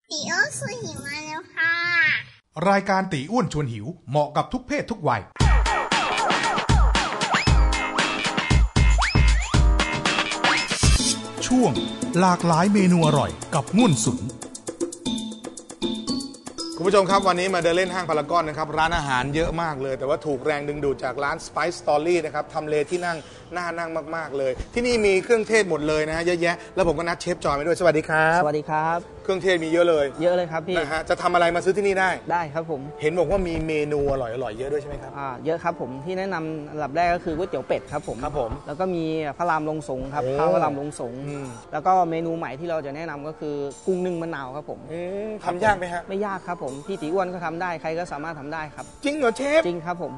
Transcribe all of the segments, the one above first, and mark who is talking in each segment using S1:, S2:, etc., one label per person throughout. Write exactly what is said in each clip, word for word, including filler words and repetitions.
S1: ตีอ้วนชวนหิวมาแล้วค่ะ
S2: รายการตีอ้วนชวนหิวเหมาะกับทุกเพศทุกวัยช่วงหลากหลายเมนูอร่อยกับง่วนสุนคุณผู้ชมครับวันนี้มาเดินเล่นห้างพารากอนนะครับร้านอาหารเยอะมากเลยแต่ว่าถูกแรงดึงดูดจากร้าน Spice Story นะครับทำเลที่นั่งน่านั่งมากๆเลยที่นี่มีเครื่องเทศหมดเลยนะฮะเยอะแยะแล้วผมก็นัดเชฟจอยมาด้วยสวัสดีครับ
S3: สวัสดีครับ
S2: เครื่องเทศมีเยอะเลย
S3: เยอะเลยครับพี่
S2: นะฮะจะทำอะไรมาซื้อที่นี่ได้
S3: ได้ครับผม
S2: เห็นบอกว่ามีเมนูอร่อยๆเยอะด้วยใช่ไหมครับ
S3: อ่าเยอะครับผมที่แนะนำอันดับแรกก็คือก๋วยเตี๋ยวเป็ดครับผม
S2: ครับผม
S3: แล้วก็มีพระรามลงสงครับข้าวพระรามลงสงแล้วก็เมนูใหม่ที่เราจะแนะนำก็คือกุ้งนึ่งมะนาวครับผม
S2: ทำยากไหมฮะ
S3: ไม่ยากครับผมพี่ตีอ้วนก็ทำได้ใครก็สามารถทำได้ครับ
S2: จริงเหรอเชฟ
S3: จริงครับผม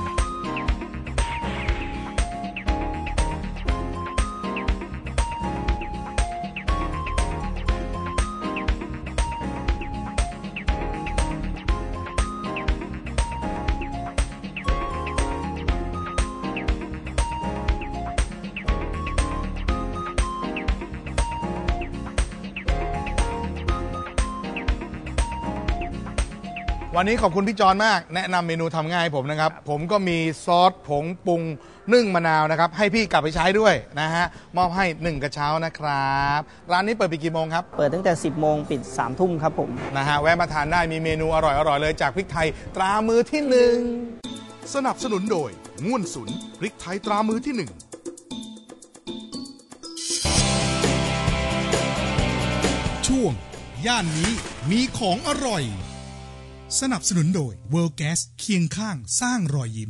S2: วันนี้ขอบคุณพี่จอนมากแนะนำเมนูทำง่ายให้ผมนะครับผมก็มีซอสผงปรุงนึ่งมะนาวนะครับให้พี่กลับไปใช้ด้วยนะฮะมอบให้หนึ่งกระเช้านะครับร้านนี้เปิดปิดกี่โมงครับ
S3: เปิดตั้งแต่สิบโมงปิดสามทุ่มครับผม
S2: นะฮะแวะมาทานได้มีเมนูอร่อยๆเลยจากพริกไทยตรามือที่หนึ่งสนับสนุนโดยง่วนสุนพริกไทยตรามือที่หนึ่งช่วงย่านนี้มีของอร่อยสนับสนุนโดย World Gas เคียงข้างสร้างรอยยิ้ม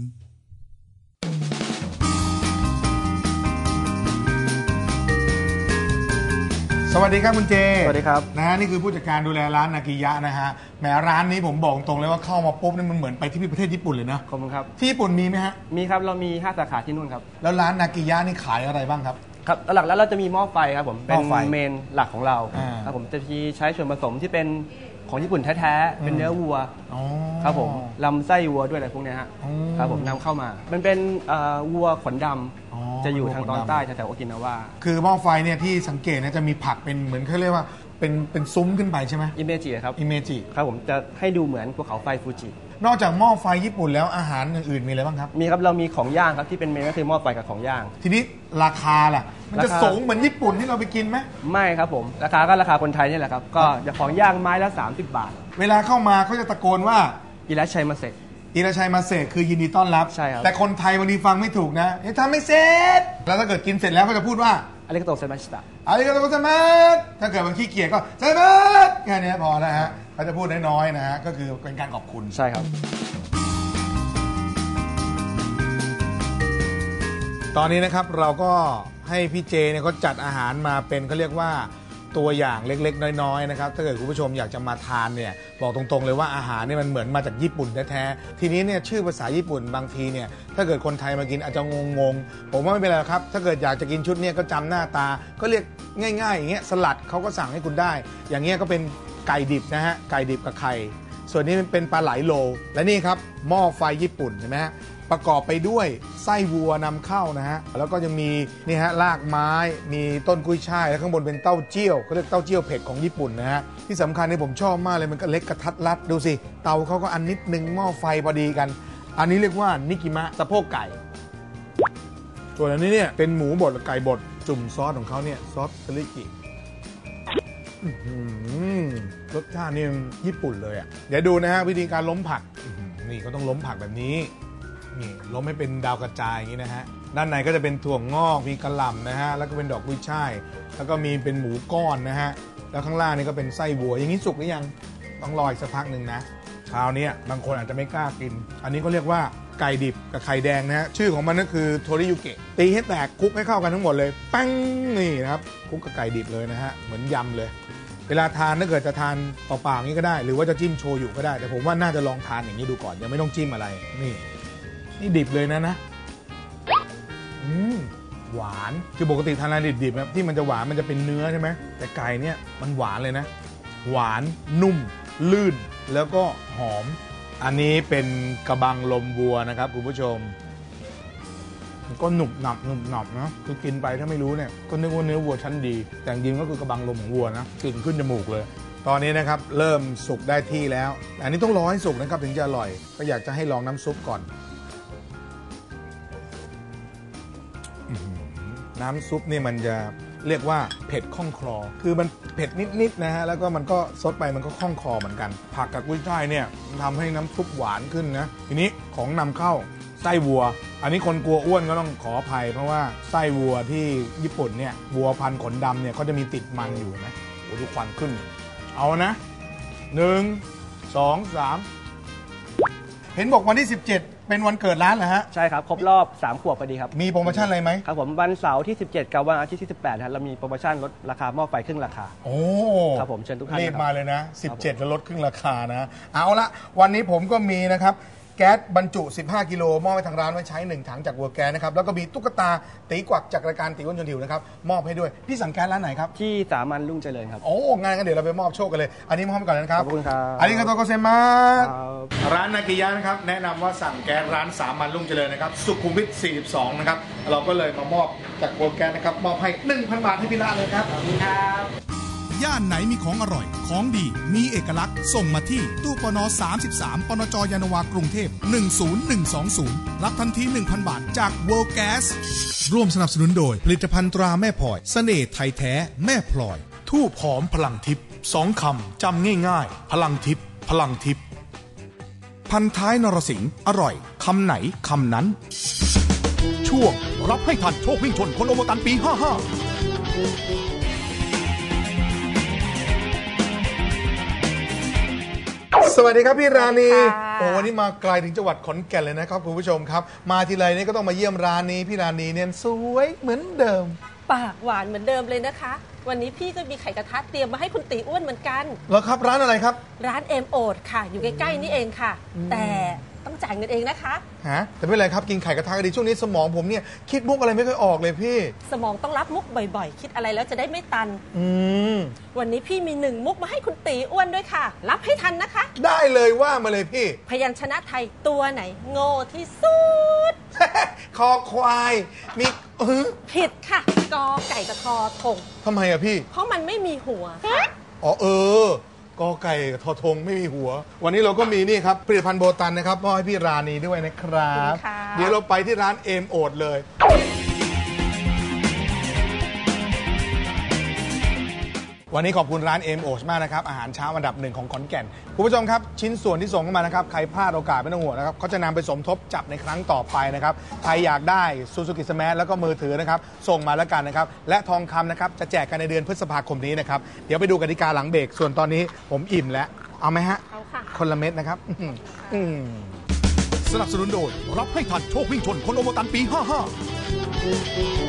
S2: สวัสดีครับคุณเจ
S3: สวัสดีครับ
S2: นะฮะนี่คือผู้จัดการดูแลร้านนากิยะนะฮะแหมร้านนี้ผมบอกตรงเลยว่าเข้ามาปุ๊บนี่มันเหมือนไปที่ประเทศญี่ปุ่นเลยนะ
S3: ขอบคุณครับ
S2: ที่ญี่ปุ่นมีไหมฮะ
S3: มีครับเรามีห้าสาขาที่นู่นครับ
S2: แล้วร้านนากิยะนี่ขายอะไรบ้างครับ
S3: ครับหลักแล้วเราจะมีหม้อไฟครับผมเป็นเมนหลักของเราครับผมจะใช้ส่วนผสมที่เป็นของญี่ปุ่นแท้ๆเป็นเนื้อวัวครับผมลำไส้วัวด้วยอะไรพวกนี้ฮะครับผมนำเข้ามามันเป็นวัวขนดำจะอยู่ทางตอนใต้แถวๆโอกินาวา
S2: คือหม้อไฟเนี่ยที่สังเกตนะจะมีผักเป็นเหมือนเขาเรียกว่าเป็นเป็นซุ้มขึ้นไปใช่ไหม
S3: อิเมจิครับ
S2: อิเมจิ
S3: ครับผมจะให้ดูเหมือนภูเขาไฟฟูจิ
S2: นอกจากหม้อไฟญี่ปุ่นแล้วอาหารอื่นๆมีอะไรบ้างครับ
S3: มีครับเรามีของย่างครับที่เป็นเมนูก็คือหม้อไฟกับของย่าง
S2: ทีนี้ราคาล่ะมันจะสูงเหมือนญี่ปุ่นที่เราไปกินไหม
S3: ไม่ครับผมราคาก็ราคาคนไทยนี่แหละครับก็จะของย่างไม้ละสามสิบบาท
S2: เวลาเข้ามาเขาจะตะโกนว่า
S3: อิราชัยมาเซ
S2: อิราชัยมาเซคือยินดีต้อนรับ
S3: ใช่ครับ
S2: แต่คนไทยวันนี้ฟังไม่ถูกนะทำไม่เสร็จแล้วถ้าเกิดกินเสร็จแล้วเขาจะพูดว่า
S3: อาริกาโตเซมาชิตะ
S2: อาริกาโตเซมาสถ้าเกิดบางขี้เกียจก็เซมาสแค่นี้พอแล้วฮะเขาจะพูดน้อยๆนะฮะก็คือเป็นการขอบคุณ
S3: ใช่ครับ
S2: ตอนนี้นะครับเราก็ให้พี่เจเนี่ยเขาจัดอาหารมาเป็นเขาเรียกว่าตัวอย่างเล็กๆน้อยๆนะครับถ้าเกิดคุณผู้ชมอยากจะมาทานเนี่ยบอกตรงๆเลยว่าอาหารเนี่ยมันเหมือนมาจากญี่ปุ่นแท้ๆทีนี้เนี่ยชื่อภาษาญี่ปุ่นบางทีเนี่ยถ้าเกิดคนไทยมากินอาจจะงงๆผมว่าไม่เป็นไรครับถ้าเกิดอยากจะกินชุดเนี่ยก็จำหน้าตาก็เรียกง่ายๆอย่างเงี้ยสลัดเขาก็สั่งให้คุณได้อย่างเงี้ยก็เป็นไก่ดิบนะฮะไก่ดิบกับไข่ส่วนนี้เป็นปลาไหลโลและนี่ครับหม้อไฟญี่ปุ่นเห็นไหมฮะประกอบไปด้วยไส้วัวนำเข้านะฮะแล้วก็ยังมีนี่ฮะรากไม้มีต้นกุ้ยช่ายแล้วข้างบนเป็นเต้าเจี้ยวเขาเรียกเต้าเจี้ยวเผ็ดของญี่ปุ่นนะฮะที่สำคัญที่ผมชอบมากเลยมันก็เล็กกระทัดรัดดูสิเตาเขาก็อันนิดนึงหม้อไฟพอดีกันอันนี้เรียกว่านิกิมะสะโพกไก่ส่วนอันนี้เนี่ยเป็นหมูบดไก่บดจุ่มซอสของเขาเนี่ยซอสเทริกิรสชาตินี่ญี่ปุ่นเลยอ่ะเดี๋ยวดูนะฮะวิธีการล้มผักนี่ก็ต้องล้มผักแบบนี้นี่ล้มให้เป็นดาวกระจายอย่างนี้นะฮะด้านในก็จะเป็นถั่วงอกมีกระหล่ำนะฮะแล้วก็เป็นดอกกุ้ยช่ายแล้วก็มีเป็นหมูก้อนนะฮะแล้วข้างล่างนี่ก็เป็นไส้วัวอย่างนี้สุกหรือยังต้องรออีกสักพักหนึ่งนะเช้านี้บางคนอาจจะไม่กล้ากินอันนี้ก็เรียกว่าไก่ดิบกับไข่แดงนะฮะชื่อของมันก็คือโทริยุเกะตีให้แตกคลุกให้เข้ากันทั้งหมดเลยปั้งนี่นะครับคลุกกับไก่ดิบเลยนะฮะเหมือนยำเลยเวลาทานถ้าเกิดจะทานเปล่าๆอย่างนี้ก็ได้หรือว่าจะจิ้มโชยุก็ได้แต่ผมว่าน่าจะลองทานอย่างนี้ดูก่อนยังไม่ต้องจิ้มอะไรนี่นี่ดิบเลยนะนะอืมหวานคือปกติทานอะไรดิบๆนะที่มันจะหวานมันจะเป็นเนื้อใช่ไหมแต่ไก่เนี่ยมันหวานเลยนะหวานนุ่มลื่นแล้วก็หอมอันนี้เป็นกระบังลมวัวนะครับคุณผู้ชมก็หนุบหนับหนุบหนับนะคือกินไปถ้าไม่รู้เนี่ยก็นึกว่าเนื้อวัวชั้นดีแต่จริงก็คือกระบังลมของวัวนะกลิ่นขึ้นจมูกเลยตอนนี้นะครับเริ่มสุกได้ที่แล้วอันนี้ต้องรอให้สุกนะครับถึงจะอร่อยก็อยากจะให้ลองน้ำซุปก่อนน้ำซุปนี่มันจะเรียกว่าเผ็ดข้องคลอคือมันเผ็ดนิดๆนะฮะแล้วก็มันก็ซดไปมันก็ข้องคลอเหมือนกันผักกับกุ้ยช่ายเนี่ยทำให้น้ำซุปหวานขึ้นนะทีนี้ของนำเข้าไส้วัวอันนี้คนกลัวอ้วนก็ต้องขออภัยเพราะว่าไส้วัวที่ญี่ปุ่นเนี่ยวัวพันธุ์ขนดำเนี่ยเขาจะมีติดมันอยู่นะโอ้ดูควันขึ้นเอานะหนึ่งสองสามเห็นบอกวันที่สิบเจ็ดเป็นวันเกิดร้านเหรอฮะ
S3: ใช่ครับครบรอบสามขวบพอดีครับ
S2: มีโปรโมชั่นอะไรไหม
S3: ครับผมวันเสาร์ที่สิบเจ็ดกับวันอาทิตย์ที่สิบแปดครับเรามีโปรโมชั่นลดราคาหม้อไฟครึ่งราคา
S2: โอ้
S3: ครับผมเชิญทุกท่าน
S2: รีบมาเลยนะสิบเจ็ดแล้วลดครึ่งราคานะเอาละวันนี้ผมก็มีนะครับแก๊สบรรจุสิบห้ากิโลมอบให้ทางร้านไว้ใช้หนึ่งถังจากวัวแก๊สนะครับแล้วก็มีตุ๊กตาตีกวักจากรายการตีอ้วนชวนหิวนะครับมอบให้ด้วยพี่สั่งแก๊สร้านไหนครับ
S3: ที่สามัญรุ่งเจริญครับ
S2: โอ้งานกันเดี๋ยวเราไปมอบโชคกันเลยอันนี้มอบให้ก่อนนะครับ
S3: ขอบคุณครับ
S2: อันนี้ก็โตโกเซมาร้านนากิยะนะครับแนะนำว่าสั่งแก๊สร้านสามัญรุ่งเจริญนะครับสุขุมวิทสี่สิบสองนะครับเราก็เลยมามอบจากวัวแก๊สนะครับมอบให้ หนึ่งพัน บาทให้พี่ละเลยครับขอบคุณครับ
S4: ย่านไหนมีของอร่อยของดีมีเอกลักษณ์ส่งมาที่ตู้ปนสามสิบสามปนจยานนาวากรุงเทพหนึ่งศูนย์หนึ่งสองศูนย์รับทันที หนึ่งพัน บาทจาก World Gas ร่วมสนับสนุนโดยผลิตภัณฑ์ตราแม่พลอยเสน่ห์ไทยแท้แม่พลอยทูบหอมพลังทิพย์สองคำจำง่ายๆพลังทิพย์พลังทิพย์พันท้ายนรสิงห์อร่อยคำไหนคำนั้นช่วงรับให้ทันโชควิ่งชนคนโอโมตันปีห้าห้า
S2: สวัสดีครับพี่ราณีโอ้วันนี้มาไกลถึงจังหวัดขอนแก่นเลยนะครับคุณผู้ชมครับมาทีไรนี่ก็ต้องมาเยี่ยมร้านนี้พี่ราณีเนี่ยสวยเหมือนเดิม
S5: ปากหวานเหมือนเดิมเลยนะคะวันนี้พี่ก็มีไข่กระทะเตรียมมาให้คุณตีอ้วนเหมือนกัน
S2: เหรอครับร้านอะไรครับ
S5: ร้านเอ็มโอดค่ะอยู่ใกล้ๆนี่เองค่ะแต่ต้องจ่ายเงินเองนะคะ
S2: ฮะแต่ไม่เป็นไรครับกินไข่กระทะก็ดีช่วงนี้สมองผมเนี่ยคิดมุกอะไรไม่ค่อยออกเลยพี่
S5: สมองต้องรับมุกบ่อยๆคิดอะไรแล้วจะได้ไม่ตัน
S2: อืม
S5: วันนี้พี่มีหนึ่งมุกมาให้คุณตีอ้วนด้วยค่ะรับให้ทันนะคะ
S2: ได้เลยว่ามาเลยพี่
S5: พยัญชนะไทยตัวไหนโง่ที่สุด
S2: คอควายมี
S5: ผิดค่ะกอไก่กับทอทง
S2: ทำไมอะพี่
S5: เพราะมันไม่มีหัว
S2: อ๋อเออกอไก่ทอทงไม่มีหัววันนี้เราก็มีนี่ครับผลิตภัณฑ์โบตันนะครับมอบให้พี่ราณีด้วยนะครับเดี๋ยวเราไปที่ร้านเอมโอดเลยวันนี้ขอบคุณร้านเอมโอดมากนะครับอาหารเช้าอันดับหนึ่งของขอนแก่นคุณผู้ชมครับชิ้นส่วนที่ส่งเข้ามานะครับใครพลาดโอกาสไม่ต้องห่วงนะครับเขาจะนำไปสมทบจับในครั้งต่อไปนะครับใครอยากได้ซูซูกิสมาร์ทแล้วก็มือถือนะครับส่งมาแล้วกันนะครับและทองคำนะครับจะแจกกันในเดือนพฤษภาคมนี้นะครับเดี๋ยวไปดูกติกาหลังเบรกส่วนตอนนี้ผมอิ่มแล้วเอาไหมฮะ
S5: เอาค่ะ
S2: คนละเม็ดนะครับ
S4: สนับสนุนโดยรับให้ทันโชควิ่งชนคนโอโมตันปีห้าห้า